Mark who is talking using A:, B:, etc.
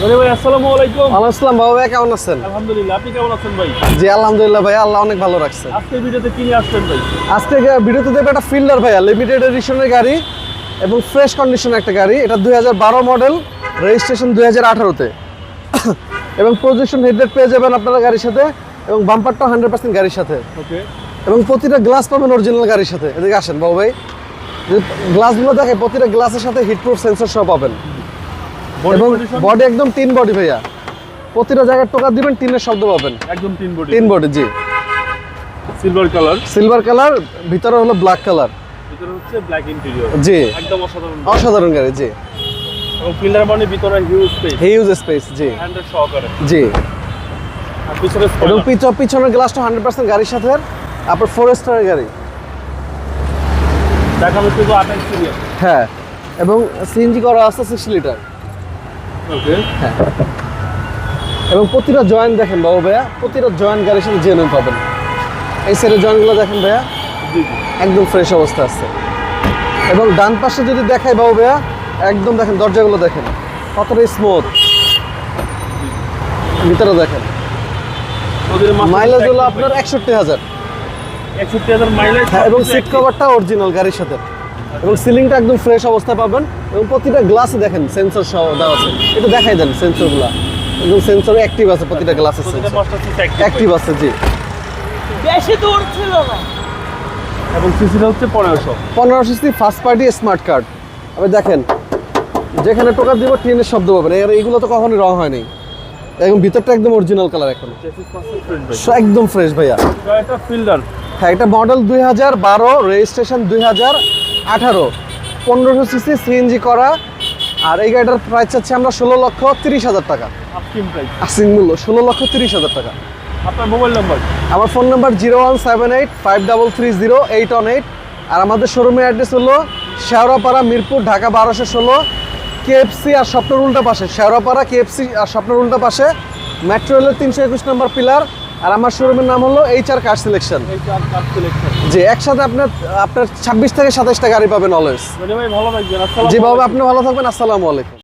A: আরে ভাই আসসালামু আলাইকুম।
B: আসসালাম বাবা ভাই, কেমন আছেন?
A: আলহামদুলিল্লাহ, আপনি কেমন আছেন ভাই?
B: জি আলহামদুলিল্লাহ ভাই, আল্লাহ অনেক ভালো রাখছে।
A: আজকের ভিডিওতে কি নিয়ে আসছেন ভাই?
B: আজকে ভিডিওতে দেবে একটা ফিল্ডার ভাইয়া, লিমিটেড এডিশনের গাড়ি এবং ফ্রেশ কন্ডিশনের একটা গাড়ি। এটা 2012 মডেল, রেজিস্ট্রেশন 2018-তে এবং প্রজেকশন হেডলাইট পেয়ে যাবেন আপনারা গাড়ির সাথে, এবং বাম্পারটাও 100% গাড়ির সাথে,
A: ওকে।
B: এবং প্রতিটা গ্লাস পাবেন অরিজিনাল গাড়ির সাথে। এদিকে আসেন বাবু ভাই, যে গ্লাসগুলো দেখে প্রতিটা গ্লাসের সাথে হিটপ্রুফ সেন্সর সহ পাবেন, এবং বডি একদম টিন বডি ভাইয়া। প্রতিটা জায়গায় টোকা দিবেন, টিনের শব্দ পাবেন।
A: একদম তিন বডি।
B: টিন বডি, জি। সিলভার কালার, ভিতরে হলো ব্ল্যাক কালার,
A: ভিতরে হচ্ছে ব্ল্যাক ইন্টেরিয়র।
B: জি,
A: একদম অসাধারণ।
B: অসাধারণ গাড়ি, জি।
A: এবং ফিল্ডার মানে ভিতরে হিউজ স্পেস।
B: হিউজ স্পেস, জি,
A: হ্যান্ডেল সহকারে।
B: জি।
A: আর পিছনে
B: এবং পিছনের গ্লাসটা 100% গাড়ির সাথে। আপনার ফরেস্টারের গাড়ি,
A: দেখাবো শুধু 28 সিরিয়াল।
B: হ্যাঁ, এবং সিএনজি করা আছে 60 লিটার।
A: ওকে।
B: হ্যাঁ, এবং প্রতিটা জয়েন্ট দেখেন বাবু ভাইয়া, প্রতিটা জয়েন্ট গাড়ির সাথে জেনুইন পাবেন। এই সাইডের জয়েন্টগুলো দেখেন ভাইয়া,
A: জি জি।
B: একদম ফ্রেশ অবস্থা আছে। এবং ডান পাশে যদি দেখাই বাবু ভাইয়া, একদম দেখেন দরজাগুলো দেখেন কতটা স্মুথ, ভিতরে দেখেন।
A: ওদের
B: মাইলেজ হলো আপনার 61,000।
A: 61,000 মাইলেজ।
B: হ্যাঁ, এবং সিট কভারটা অরিজিনাল গাড়ির সাথে, এবং সিলিংটা একদম ফ্রেশ অবস্থায় পাবেন। এবং প্রতিটা গ্লাসে দেখেন সেন্সর সহ দেওয়া আছে। এটা দেখাই দেন সেন্সরগুলো, এবং সেন্সর অ্যাক্টিভ আছে প্রতিটা গ্লাসের
A: প্রতিটা
B: সেন্সর
A: মাস্টার সিট
B: অ্যাক্টিভ আছে, জি।
C: বেশি দূর ছিল না।
A: এবং সিসিটা হচ্ছে 1500।
B: 1500 CC first party smart card. আপনি দেখেন, যেখানে টোকা দিব ট্রেনের শব্দ পাবেন। এইগুলো তো কখনোই রং হয়নি, এবং ভিতরটা একদম অরিজিনাল কালার এখন,
A: চেসিস পার্সেন্ট ফ্রেন্ড ভাই।
B: একদম ফ্রেশ ভাইয়া।
A: এটা ফিল্ডার।
B: হ্যাঁ, এটা মডেল 2012, রেজিস্ট্রেশন 2018, 1500 সিসি সিএনজি করা। আর এই গাড়িটার প্রাইস চাচ্ছি আমরা 16,30,000 টাকা।
A: আপকিম প্রাইস।
B: আসিং মূল্য 16,30,000 টাকা।
A: আপনার মোবাইল নাম্বার?
B: আমার ফোন নাম্বার 01785330818। আর আমাদের শোরুমের অ্যাড্রেস হলো শেওড়াপাড়া, মিরপুর, ঢাকা 1216। কেএফসি আর স্বপ্নের উল্টা পাশে, শেওড়াপাড়া কেএফসি আর স্বপ্নের উল্টা পাশে, মেট্রো রেলের 321 নম্বর পিলার। আর আমার শোরুমের নাম হলো HR car selection.
A: Car selection.
B: জি, একসাথে আপনার 26 থেকে 27টা গাড়ি পাবেন অলওয়েজ।
A: ভাই ভালো থাকবেন। আসসালামু
B: জি বাবা,
A: আলাইকুম।
B: আপনি ভালো থাকবেন। আসসালামু আলাইকুম।